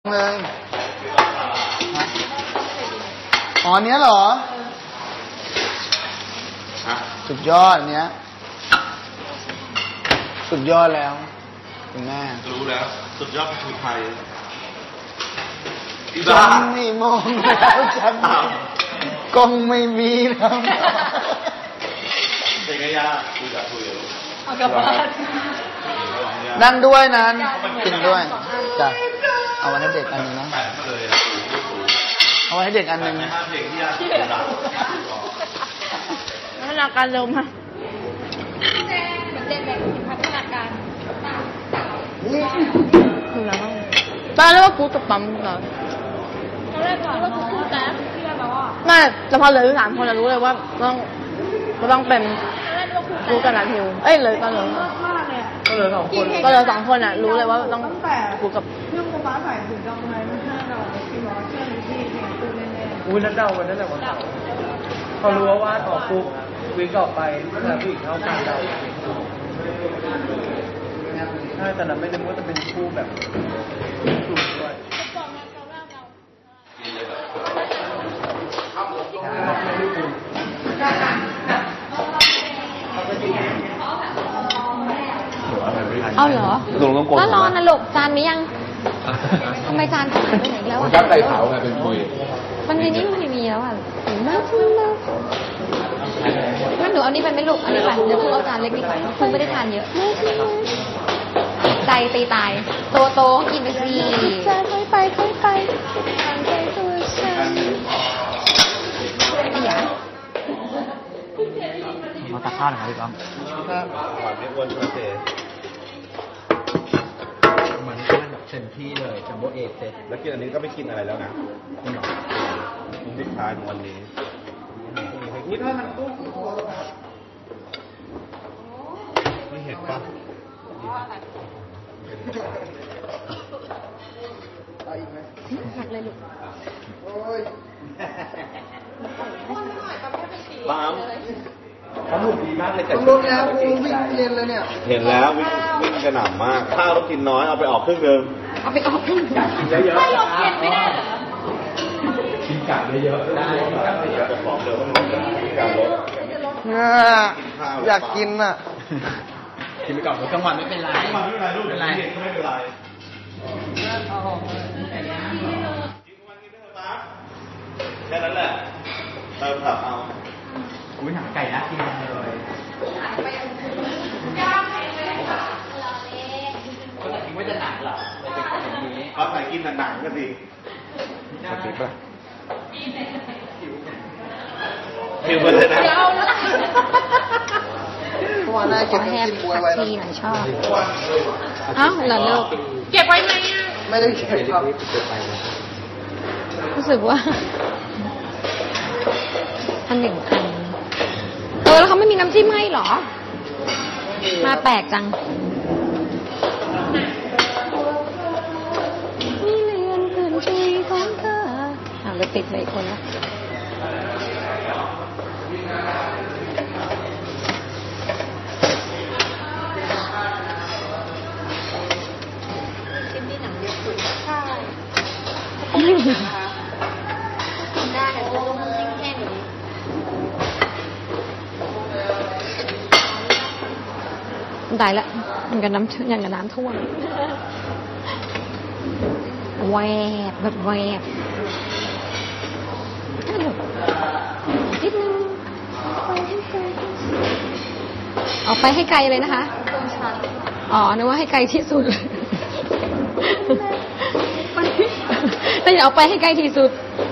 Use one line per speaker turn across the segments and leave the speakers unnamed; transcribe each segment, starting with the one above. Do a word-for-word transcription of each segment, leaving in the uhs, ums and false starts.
เลยอ๋อเนี้ยเหรอสุดยอดเนี้ยสุดยอดแล้วคุณแม่
รู้แล้วสุดยอดคือไทย
ฉันไม่มองแล้วฉันกงไม่มีแล้ว
เป็นไงยาคุยกับคุย
เอากลับบ้าน
นั่งด้วยนั้นกินด้วยจ้ะเอาไว้ให้เด็กอันนึงนะเอาไว้ให้เด็กอันนึง
พัฒนาการเร็วมากเด็กแบบพัฒนาการคืออะไรบ้างตอนแรกว่ากูจะปั๊มเหรอตอนแรกก่อนว่ากูพูดแต่เชื่อแล้วอ่ะไม่แต่พอเหลือสามคนเรารู้เลยว่าต้องก็ต้องเป็นกูกับนัททิวเอ้ยเลยก็เลยก็เลยสองคนก็เลยสองคนอ่ะรู้เลยว่าต้องกูกับ
เรื่องฟ้าใส่ถึงกำไรไม่ใช่เราที่บอกเชื่อในที่เพียงกูแน่ๆ
อุ้ยนั่นเดาวันนั้นแหละวันเสาร์เขารู้ว่าวาดออกปุ๊บวิ่งออกไปแต่ผู้หญิงเข้ากันเดาถ้าแต่นั้นไม่ได้ว่าจะเป็นคู่แบบกลุ่มด้วย
เอาเหรอถ้ารอนะลูกจานมียังทำไมจานขาดไปไหนแล้วอ่ะ
ก็ไก่เผาไงเป็นปุย
มันในนี้มันไม่มีแล้วอ่ะมากมากงั้นหนูเอานี่ไปไม่ลูกอันนี้ไปเดี๋ยวคุณเอาจานเล็กดีกว่าคุณไม่ได้ทานเยอะใจตีตายโตโตกินไปสิจานค่อยไปค่อยไปทานใจตัวฉันอย่า
มาตักข้าวหน่อยครับพี่ก้อง
หวานไม่อ้วนเฉย
มันแค่แบบเต็มที่เลยจัมโบ้เอเซ็ต
แล้วกินอันนี้ก็ไม่กินอะไรแล้วนะสุดท้ายของวันนี้
อุ้ยถ้ามันกุ้ง
ไม่เห็นปะ
หักเลยลูก
ปาม
เขาหนุกดีมากเลยแต่
ลงแล้ววิ่งเรียนเลยเนี่ย
เห็นแล้ววิ่งวิ่งกระหน่ำมากข้าวต้องกินน้อยเอาไปออกครึ่งนึง
เอาไปออกครึ่ง
อยากกินเยอะๆ
ไม่ลดเย็นไม่ได้เหรอ
กินกลับเยอะๆได้กินกลับเยอะ
ๆของเดิมมันกินกลับลด
อยากกินอ่ะ
กินไปก่อนกลางวันไม่เป็นไร
ไม่เป็นไรลูกไม่เป็นไรไม่เป็นไรแค่นั้นแหละเติมผักเอา
อุ้ยหนังไก่น่ากินเลยก็จะคิดว่าจะหนักเหรอเลยเป็นแบบนี้
เขาใส่กินหนังกันสิ
ผิดป่ะ
ผิวเลยนะ
เพราะว่าน่าเก็บกินบวยไว้
ทีหน่อยชอบอ้าวเหรอลูกเก็บไว้ไหมอ่ะ
ไม่ได้เก็บครับ
รู้สึกว่าอันหนึ่งอันเออแล้วเขาไม่มีน้ำจิ้มให้หรอมาแปลกจังนี่เรียนคืนชีของเธออ่ะเลยติดไปอีกคนละจิ้มนี่หนังเยอะสุดใช่ได้แต่จะต้องจิ้มแค่นี้ตายละมันกับน้ำอย่างกับน้ำท่วมแวบแบบแวบนิดนึงเอาไปให้ไกลเลยนะคะอ๋อนึกว่าให้ไกลที่สุดแต่อย่าเอาไปให้ไกลที่สุด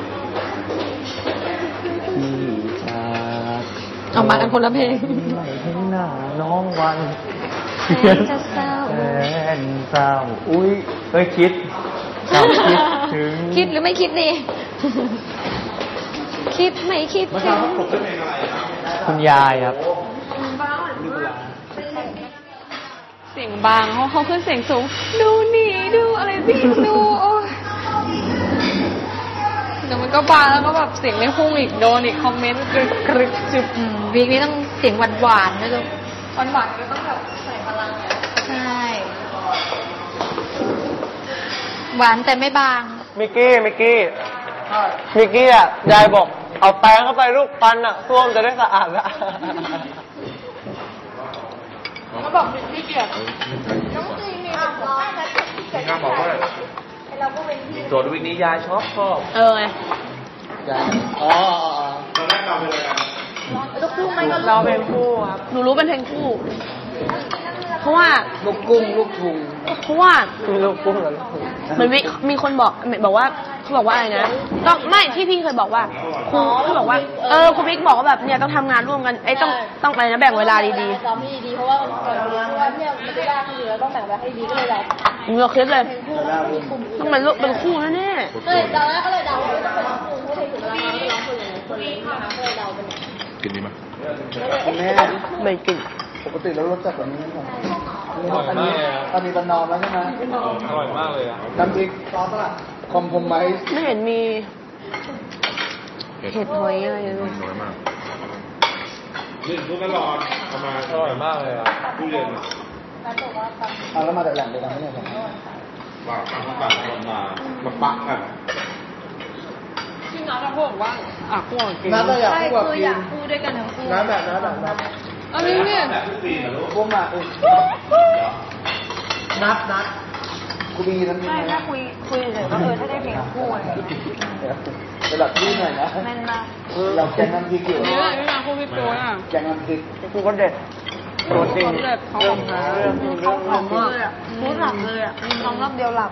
ออกมากันคนละเพลง
ไม่เห็นหน้าน้องวัน
แสนจะเศร้า
แสนเศร้าอุ้ยเฮ้ยคิดคิดถึง
คิดหรือไม่คิดดีคิดไม่คิดถึง
คุณยายครับ
เสียงบางเขาเขาขึ้นเสียงสูงดูนี่ดูอะไรพี่ดูโอ้เดี๋ยวมันก็บางแล้วก็แบบเสียงไม่พุ่งอีกโดนอีกคอมเมนต์กรึกกรึกจุบวีคนี้ต้องเสียงหวานหวานนะจ๊ะหวานหวานก็ต้องแบบใส่พลังใช่หวานแต่ไม่บาง
มิกกี้มิกกี้มิกกี้อ่ะยายบอกเอาแป้งเข้าไปลูกปันอ่ะส้วมจะได้สะอาดละ
เขาบอกพี่เกียรติ
ข้าบอกว่าโจทย์วิกนี้ยายชอบชอบ
เออไง
ยายอ๋อ
ตอนแรกเราเป็นอะไรกัน
ลูกคู่ไม่ก็
เราเป็นคู่ครับ
หนูรู้เป็นเพลงคู่ เพราะว่า
ลูกกุ้งลูกทุง
เพราะว่า
มีลูกกุ้งกับลูกกุ้ง
เหมือนวิมีคนบอกบอกว่าเขาบอกว่าอะไรนะต้องไม่ที่พี่เคยบอกว่าครูเขาบอกว่าเออครูบิ๊กบอกว่าแบบเนี่ยต้องทำงานร่วมกันไอ้ต้องต้องอะไรนะแบ่งเวลาดี
ซ้อมให้ดีๆเพราะว่าเพราะว่าเนี่ยมันจะยากขึ้นอยู่แล้วต้องแบ่งเวลาให้ดีก็เลยแบบ
ๆหนูเราคิดเลยต้องเป็นลูกเป็นคู่แน่
ก็เลยตอนแรกก็เลยเดาว่าจะเป็นร้องคู่เพราะเพลงถึงเวลาเราร้องคนเลยคนเลยก็เลยเดาเป็น
กินดีไหม
คุณแม่
ๆไม่กิน
ปกติแล้วรสจัดแบบนี้ไหมอันนี้อันนี้บรรนอมแล้วใช่ไหม
อร่อยมากเลยอ่ะ
น้ำพริกซอสละคอมโพมไมซ์
ไม่เห็นมีเห็ดหอยอะไรเลย
น้อยมากนี่ทุกตลอดทำมาอร่อยมากเลยอ่ะผู้เรียน
เอาแล้วมาจากแหล่งเดียวกันไหมเนี่ยผม
ว่าต่างคนต่างคนมามาปักกัน
ที่น้าจะพูดว่าอ่ะคู่กิน
น้ำต้องอยาก
ใช่
คู่กับ
คือ
กิ
อยาน กคู่ด้วยกันทั้งคู่
น้ำแบบน้ำแบบน้ำ
อันนี้เนี่ย
พวกมาเออนัดนัดกูมีน้ำมี
ไม่
ไหม
ถ้าคุยคุยเฉยๆก็เออถ้าได้เพลงคู่อะไร
ระดับพี่หน่อยนะ
แม่นมาก
เราแกงน้ำพริกอยู่
นี่แหละพี่นาคู่พี่โป้อ่ะ
แกงน้ำพริก
คู่ก็เด็ดตัวจริง
เด็ดเขาของแท้
เรื่องจริงเรื่อง
หอมมากเลยอ่ะพูดหลับเลยอ่ะร้องรอบเดียวหลับ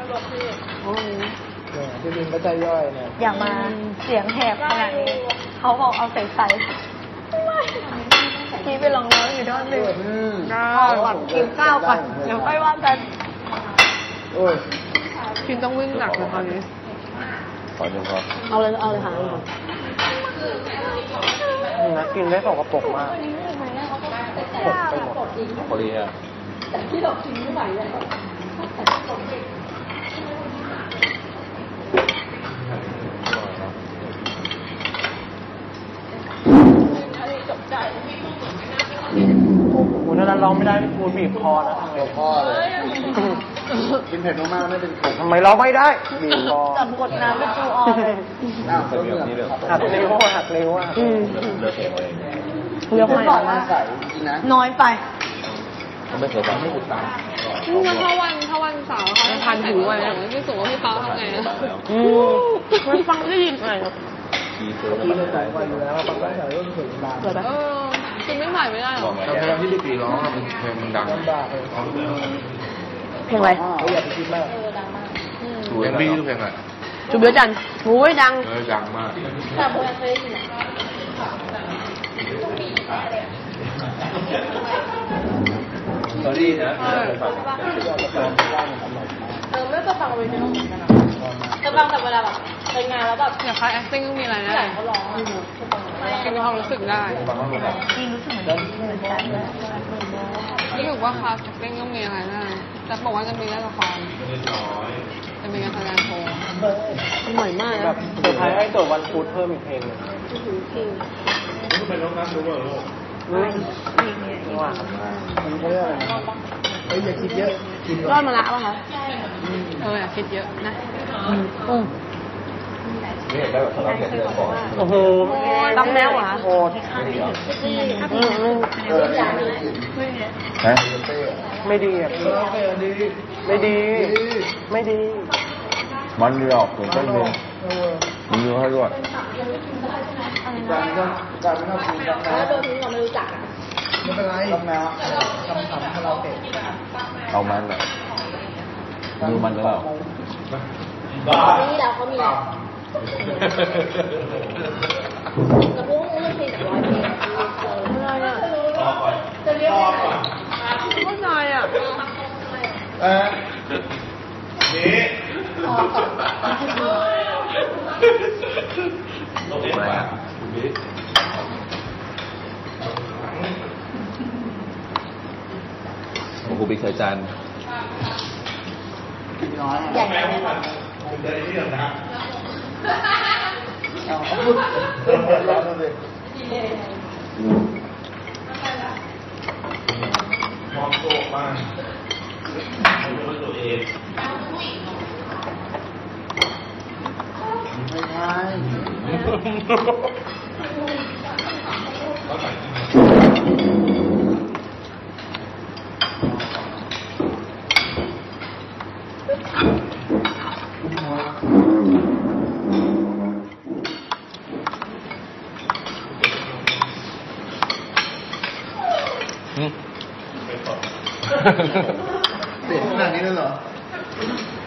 พี่บินก็ใจย่อยเนี่ย
อย่ามาเสียงแหบขนาดนี้เขาบอกเอาใส่ใส่พี่ไปลองร้องอยู่ด้านหนึ่ง
อืม
เอาก่อนกินข้าวก่อนเดี๋ยวค่อยว่ากัน
โอ้ย
กินต้องวิ่งหนักเลยตอนนี้
ขอเดี๋ยวครับ
เอาเลยเอาเลยค่ะเอาเลยค่ะ
นะกินได้สกปรกมากปกไปหมด
พอดีอ่ะ
โอ้ยนั้นร้องไม่ได้พี่ปูบีบคอนะทำไง
เดี๋ยวพ่อเลยกินเผ็ดมากๆไม่เป็นกลุ่ม
ทำไมร้องไม่ได้บีบคอ
จับกดน้ำเป็นจูออนเลย
อ้าวเรื่องนี้เลย
หักนิ้วหักนิ้วอ่ะ
อืม
เลือกเองเลย
เลือก
ไม่
ไม่
บอกว่าใส่จริงนะ
น้อยไป
ไม่เคยทำให้ติดตาม
นี่ถ้าวันถ้าวันเสาร์เขาพันหูไว้นะไม่สูงว่าพี่ป๊าทำไงนะอืมไม่ฟังได้ยินไงครับ
ทีเซอร์
ที่เราใส่ไปอยู่แล้วบางครั้งใส่เรื่องถึงนาน
เกิดเออกินไม่ไหวไม่ได้หรอ
ตอนเพลงที่พี่ปีร้องมันเพลงมันดัง
ลำบากเลย
เพลงอะไร
เขาอยากไปคิดมาก
เพลงพี่คือเพลงอะไร
จุบเยอะจันโอ้ยดัง
เออดังมาก
แต่โบยังเคยได้ยิน
ตอนนี้นะ
เออไม่ก็ฟังเลยนะจะฟังแต่เวลาแบบไปงานแล้วแบบ
อยากคลาย acting ต้องมีอะไรนะ
เขาร้อง
กินความรู้สึกได้
ฟังว่ามันแบบ
จริงรู้สึกเหมือนเหมือนกันเลย
รู้สึกว่าคลาส acting ต้องมีอะไรนะแต่บอกว่าจะมีเล่นละครจะมีการแสดงโชว์มันใหม่มาก
แบ
นะ
บสุดท้ายให้โจทย์วันพุธเพิ่มอีกเพลงหนึง
นี่เป็นน้องนัทรู้ป่ะลูก
นี่ว่า
มันเขาเรียกอะไรนะเฮ้ยอย่าคิดเยอะกิน
รอดมาละป่ะคะเอออยากคิดเยอะนะอืม
นี่เห็นได้แบบเขาเห็นเลยก่อน
โอ้โห
ตั้งแนวเหรอคะ
โหด
อืมอืม
เออ
ฮะ
ไม่ดีอ่ะพี่ไม่ดี ไม่ดี
มันหลอกถึงต้นเลยมันรู้ให้ด้วย
การก็การไม่ต้องกินกันนะ
แล้วโดนทิ้งเราไม่รู้จัก
ไม่เป็นไรทำแมวทำทำให้เราเตะ
เอามันแหละมือมันหรือเปล่า
นี่เราเขามีกระพุ้งเรื่องเพลงจากร้อยเพลง
อะไรอ่ะ
จะเรียกว่าอะไร
เข้าใจอ่ะ
เออนี่
อะไรอ่ะของครูบิ๊กเคยจัน
น้อย
ใหญ่ไหม
เอาพูดเริ่มเปิดร้อนเลย
มองโตมากตัวเอง
เปลี่ยนขนาดนี้เลยเหรอ